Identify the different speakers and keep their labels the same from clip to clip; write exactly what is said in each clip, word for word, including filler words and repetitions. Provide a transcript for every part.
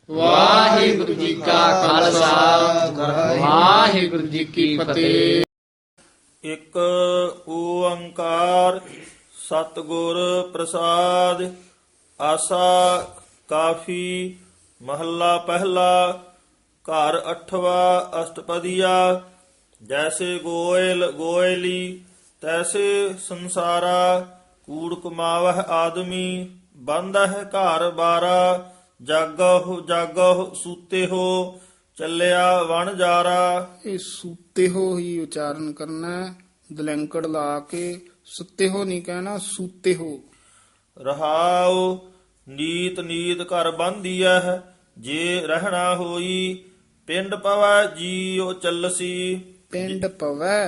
Speaker 1: ਵਾਹਿਗੁਰੂ ਜੀ ਕਾ ਖਾਲਸਾ ਵਾਹਿਗੁਰੂ ਜੀ ਕੀ ਫਤਿਹ।
Speaker 2: ਇੱਕ ਓੰਕਾਰ ਸਤਿਗੁਰ ਪ੍ਰਸਾਦ। ਆਸਾ ਕਾਫੀ ਮਹੱਲਾ ਪਹਿਲਾ। ਘਰ ਅਠਵਾ ਅਸ਼ਟਪਦੀਆ। ਜੈਸੇ ਗੋਇਲ ਗੋਇਲੀ ਤੈਸੇ ਸੰਸਾਰਾ। ਕੂੜ ਕਮਾਵਹਿ ਆਦਮੀ ਬੰਧਹਿ ਘਰ ਬਾਰਾ। ਜਾਗਹੁ ਜਾਗਹੁ ਸੂਤੇ ਹੋ ਚੱਲਿਆ ਵਣ ਜਾਰਾ।
Speaker 3: ਇਹ ਸੂਤੇ ਹੋ ਹੀ ਉਚਾਰਨ ਕਰਨਾ ਹੈ। ਦਲੈਂਕੜ ਲਾ ਕੇ ਸੁੱਤੇ ਹੋ ਨਹੀਂ ਕਹਿਣਾ, ਸੂਤੇ ਹੋ।
Speaker 2: ਰਹਾਉ ਨੀਤ ਨੀਤ ਘਰ ਬੰਧੀਐ ਜੇ ਰਹਿਣਾ ਹੋਈ। ਪਿੰਡ ਪਵੈ ਜੀਉ ਚੱਲਸੀ।
Speaker 3: ਪਿੰਡ ਪਵੈ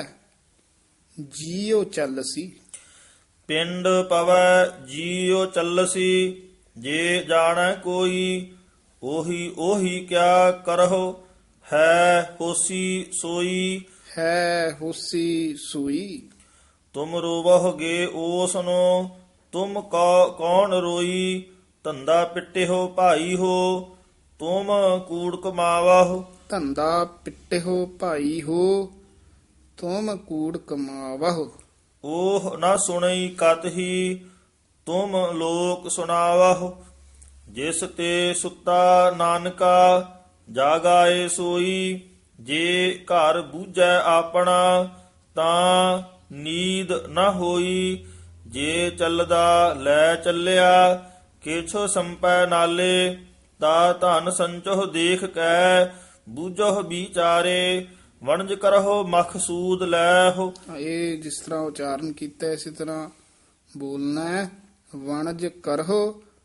Speaker 3: ਜੀਉ ਚੱਲਸੀ।
Speaker 2: ਪਿੰਡ ਪਵੈ ਜੀਉ ਚੱਲਸੀ ਜੇ ਜਾਣੈ ਕੋਈ। ਉਹੀ ਉਹੀ ਕਿਆ ਕਰਹੁ ਹੈ ਹੋਸੀ ਸੋਈ।
Speaker 3: ਹੈ ਹੋਸੀ ਸੂਈ।
Speaker 2: ਤੁਮ ਰੋਵਹੁਗੇ ਓਸਨੋ ਤੁਮ ਕੋ ਕੌਣ ਰੋਈ। ਧੰਦਾ ਪਿੱਟੇ ਹੋ ਭਾਈ ਹੋ ਤੁਮ ਕੂੜ ਕਮਾਵਹੁ।
Speaker 3: ਧੰਦਾ ਪਿੱਟੇ ਹੋ ਭਾਈ ਹੋ ਤੁਮ ਕੂੜ ਕਮਾਵਹੁ।
Speaker 2: ਉਹ ਨਾ ਸੁਣਈ ਕਤ ਹੀ ਤੁਮ ਲੋਕ ਸੁਣਾਵਹੁ। ਜਿਸ ਤੇ ਸੁੱਤਾ ਨਾਨਕਾ ਜਾਗਾਏ ਸੋਈ। ਜੇ ਘਰ ਬੂਝੈ ਆਪਣਾ ਤਾਂ ਨੀਂਦ ਨਾ ਹੋਈ। ਜੇ ਚੱਲਦਾ ਲੈ ਚੱਲਿਆ ਕਿਛ ਸੰਪੈ ਨਾਲੇ। ਤਾ ਧਨ ਸੰਚੋਹ ਦੇਖ ਕੈ ਬੂਝੋ ਵਿਚਾਰੇ। ਵਣਜ ਕਰਹੁ ਮਖਸੂਦ ਲੈਹੁ।
Speaker 3: ਇਹ ਜਿਸ ਤਰ੍ਹਾਂ ਉਚਾਰਨ ਕੀਤਾ ਇਸੇ ਤਰ੍ਹਾਂ ਬੋਲਣਾ ਹੈ। ਵਣਜ ਕਰਹੁ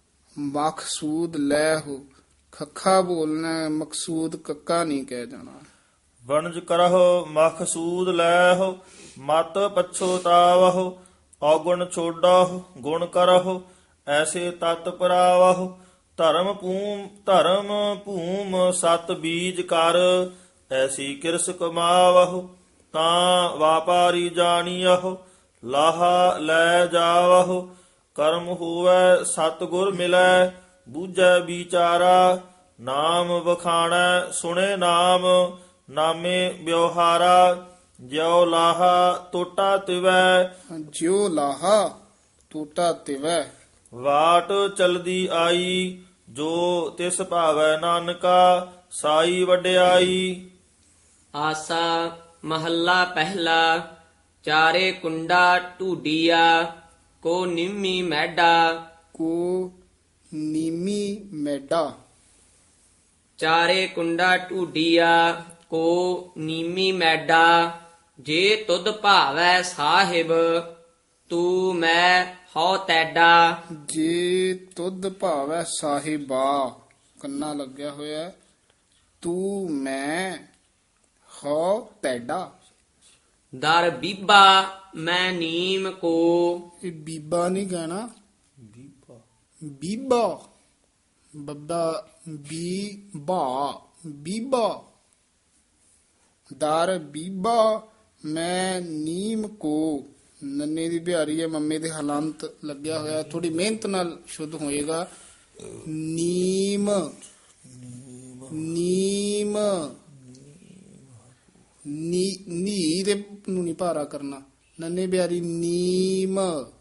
Speaker 3: ਮਕਸੂਦ ਲੈ ਹੋ। ਖੱਖਾ ਬੋਲਣਾ ਹੈ, ਮਕਸੂਦ ਕੱਕਾ ਨਹੀਂ ਕਹਿ ਜਾਣਾ।
Speaker 2: ਵਣਜ ਕਰਹੁ ਮਖਸੂਦ ਲੈਹੁ। ਮਤ ਪਛੋਤਾਵਹੁ ਔਗੁਣ ਛੋਡਹੁ ਗੁਣ ਕਰਹੁ ਐਸੇ ਤਤ ਪਰਾਵਹੁ। ਧਰਮ ਭੂਮ ਧਰਮ ਭੂਮ ਸਤ ਬੀਜ ਕਰ ਐਸੀ ਕਿਰਸ ਕਮਾਵਹੁ। ਤਾਂ ਵਾਪਾਰੀ ਜਾਣੀਅਹੁ ਲਾਹਾ ਲੈ ਜਾਵਹੁ। ਕਰਮ ਹੋਵੈ ਸਤਿਗੁਰ ਮਿਲੈ ਬੂਝੈ ਵਿਚਾਰਾ। ਨਾਮ ਵਖਾਣੈ ਸੁਣੇ ਨਾਮ ਨਾਮੇ ਵਿਵਹਾਰਾ। ਜਿਉ ਲਾਹਾ ਟੋਟਾ ਤਿਵੈ
Speaker 3: ਜਿਉ ਲਾਹਾ ਟੋਟਾ ਤਿਵੈ।
Speaker 2: ਵਾਟ ਚਲਦੀ ਆਈ ਜੋ ਤਿਸ ਭਾਵੈ ਨਾਨਕਾ ਸਾਈ ਵਡਿਆਈ।
Speaker 1: ਆਸਾ ਮਹੱਲਾ ਪਹਿਲਾ। ਚਾਰੇ ਕੁੰਡਾ ਢੂਡੀਆ ਕੋ ਨਿੰਮੀ ਮੈਡਾ।
Speaker 3: ਕੋ ਨੀਮੀ ਮੈਡਾ।
Speaker 1: ਚਾਰੇ ਕੁੰਡਾ ਢੂਡੀਆ ਕੋ ਨੀਮੀ ਮੈਡਾ। ਜੇ ਤੁਧ ਭਾਵੈ ਸਾਹਿਬ ਤੂੰ ਮੈਂ ਹਉ ਤੈਡਾ।
Speaker 3: ਜੇ ਤੁਧ ਭਾਵੈ ਸਾਹਿਬਾ ਕੰਨਾ ਲੱਗਿਆ ਹੋਇਆ। ਤੂੰ ਮੈਂ ਹੋ ਤੈਡਾ।
Speaker 1: ਦਰ ਬੀਬਾ ਮੈਂ ਨੀਮ ਕੋ।
Speaker 3: ਇਹ ਬੀਬਾ ਨਹੀਂ ਕਹਿਣਾ, ਬੀਬਾ। ਬੱਬਾ ਬੀ ਬਾ ਬੀਬਾ। ਦਰ ਬੀਬਾ ਮੈਂ ਨੀਮ ਕੋ। ਨੰਨੇ ਦੀ ਬਿਹਾਰੀ ਹੈ, ਮੰਮੇ ਦੇ ਹਲੰਤ ਲੱਗਿਆ ਹੋਇਆ। ਥੋੜੀ ਮਿਹਨਤ ਨਾਲ ਸ਼ੁੱਧ ਹੋਏਗਾ। ਨੀਮ ਨੀਮ ਨੀ ਨੀ ਦੇ ਨੂੰ ਨਹੀਂ ਭਾਰਾ ਕਰਨਾ। ਨੰਨੇ ਬਿਹਾਰੀ ਨੀਮ।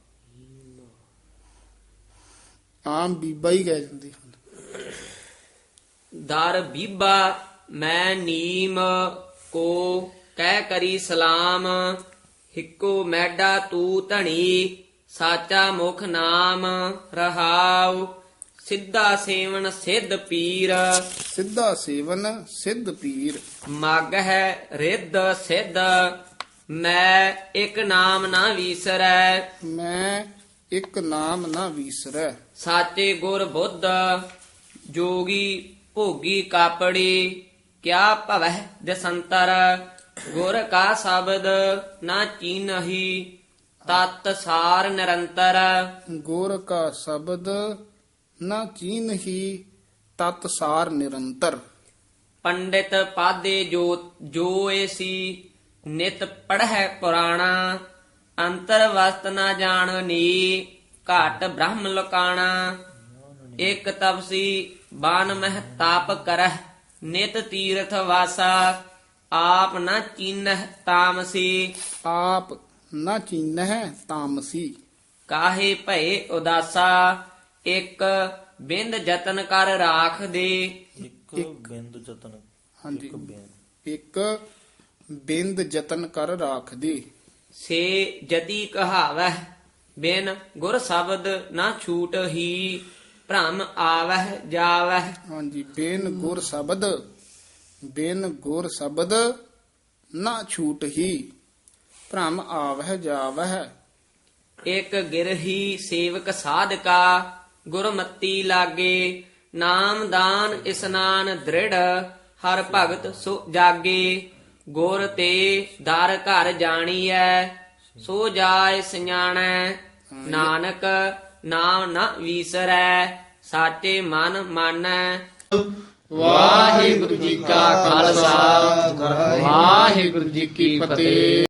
Speaker 3: ਆਮ ਬੀਬਾ ਹੀ ਕਹਿ ਜਾਂਦੇ ਹਨ।
Speaker 1: ਦਰ ਬੀਬਾ ਮੈਂ ਨੀਮ ਕੋ ਕਹਿ ਕਰੀ ਸਲਾਮ। ਹਿੱਕੋ ਮੈਡਾ ਤੂ ਧਣੀ ਸਾਚਾ ਮੁਖ ਨਾਮ ਰਹਾਉ। ਸਿੱਧਾ ਸੇਵਨ ਸਿੱਧ ਪੀਰ।
Speaker 3: ਸਿੱਧਾ ਸੇਵਨ ਸਿੱਧ ਪੀਰ।
Speaker 1: ਮਗ ਹੈ ਰਿੱਧ ਸਿੱਧ ਮੈਂ ਇੱਕ ਨਾਮ ਨਾ ਵੀਸਰੈ।
Speaker 3: ਮੈਂ ਇੱਕ ਨਾਮ ਨਾ ਵੀਸਰੈ।
Speaker 1: ਸਾਚੇ ਗੁਰ ਬੁੱਧ ਜੋਗੀ ਭੋਗੀ ਕਾਪੜੀ। ਕਿਆ ਭਵਹਿ ਦਸੰਤਰ ਗੁਰ ਕਾ ਸ਼ਬਦ ਨਾ ਚੀਨਹੀ। ਤਤ ਸਾਰ ਨਿਰੰਤਰ
Speaker 3: ਗੁਰ ਕਾ ਸ਼ਬਦ ਨਾ ਚੀਨਹੀ। ਤਤ ਸਾਰ ਨਿਰੰਤਰ।
Speaker 1: ਪੰਡਿਤ ਪਾਦੇ ਜੋ ਜੋ ਏਸੀ ਨਿਤ ਪੜ੍ਹੈ ਪੁਰਾਣਾ। ਅੰਤਰ ਵਸਤ ਨਾ ਜਾਣਨੀ ਘਾਟ ਬ੍ਰਹਮ ਲੋਕਾਣਾ।
Speaker 4: ਇਕ ਤਪਸੀ ਬਾਨ ਮਹਿ ਤਾਪ ਕਰਹਿ ਨਿਤ ਤੀਰਥ ਵਾਸਾ ਆਪ ਨ ਚੀਨਹਿ ਤਾਮਸੀ
Speaker 3: ਆਪ ਨਾ ਚੀਨਹਿ ਤਾਮਸੀ
Speaker 4: ਕਾਹੇ ਭਏ ਉਦਾਸਾ ਇਕ ਬਿੰਦ ਜਤਨ ਕਰ ਰਾਖ ਦੇ
Speaker 2: ਇੱਕ ਬਿੰਦ ਜਤਨ
Speaker 3: ਹਾਂਜੀ
Speaker 2: ਇੱਕ ਬਿੰਦ
Speaker 3: ਇੱਕ ਬਿੰਦ ਯਤਨ ਕਰ ਰਾਖਦੀ
Speaker 4: ਸੇ ਜਤੀ ਕਹਾਵਹਿ ਬਿਨ ਗੁਰ ਸ਼ਬਦ ਨਾ ਛੂਟ ਹੀ ਭ੍ਰਮ ਆਵਹਿ ਜਾਵਹਿ
Speaker 3: ਹਾਂਜੀ ਬੇਨ ਗੁਰ ਸ਼ਬਦ ਬੇਨ ਗੁਰ ਸ਼ਬਦ ਨਾ ਛੂਟ ਹੀ ਭ੍ਰਮ ਆਵਹਿ ਜਾਵਹਿ
Speaker 4: ਇਕ ਗਿਰਹੀ ਸੇਵਕ ਸਾਧਕਾ ਗੁਰਮਤੀ ਲਾਗੇ ਨਾਮਦਾਨ ਇਸਨਾਨ ਦ੍ਰਿੜ ਹਰ ਭਗਤ ਸੋ ਜਾਗੇ ਗੁਰ ਤੇ ਦਰ ਘਰ ਜਾਣੀਐ ਸੋ ਜਾਏ ਸਿਆਣੈ ਨਾਨਕ ਨਾਮ ਨ ਵੀਸਰੈ ਸਾਚੇ ਮਨ ਮਾਨੈ
Speaker 1: ਵਾਹਿਗੁਰੂ ਜੀ ਕਾ ਖਾਲਸਾ ਵਾਹਿਗੁਰੂ ਜੀ ਕੀ ਫਤਿਹ।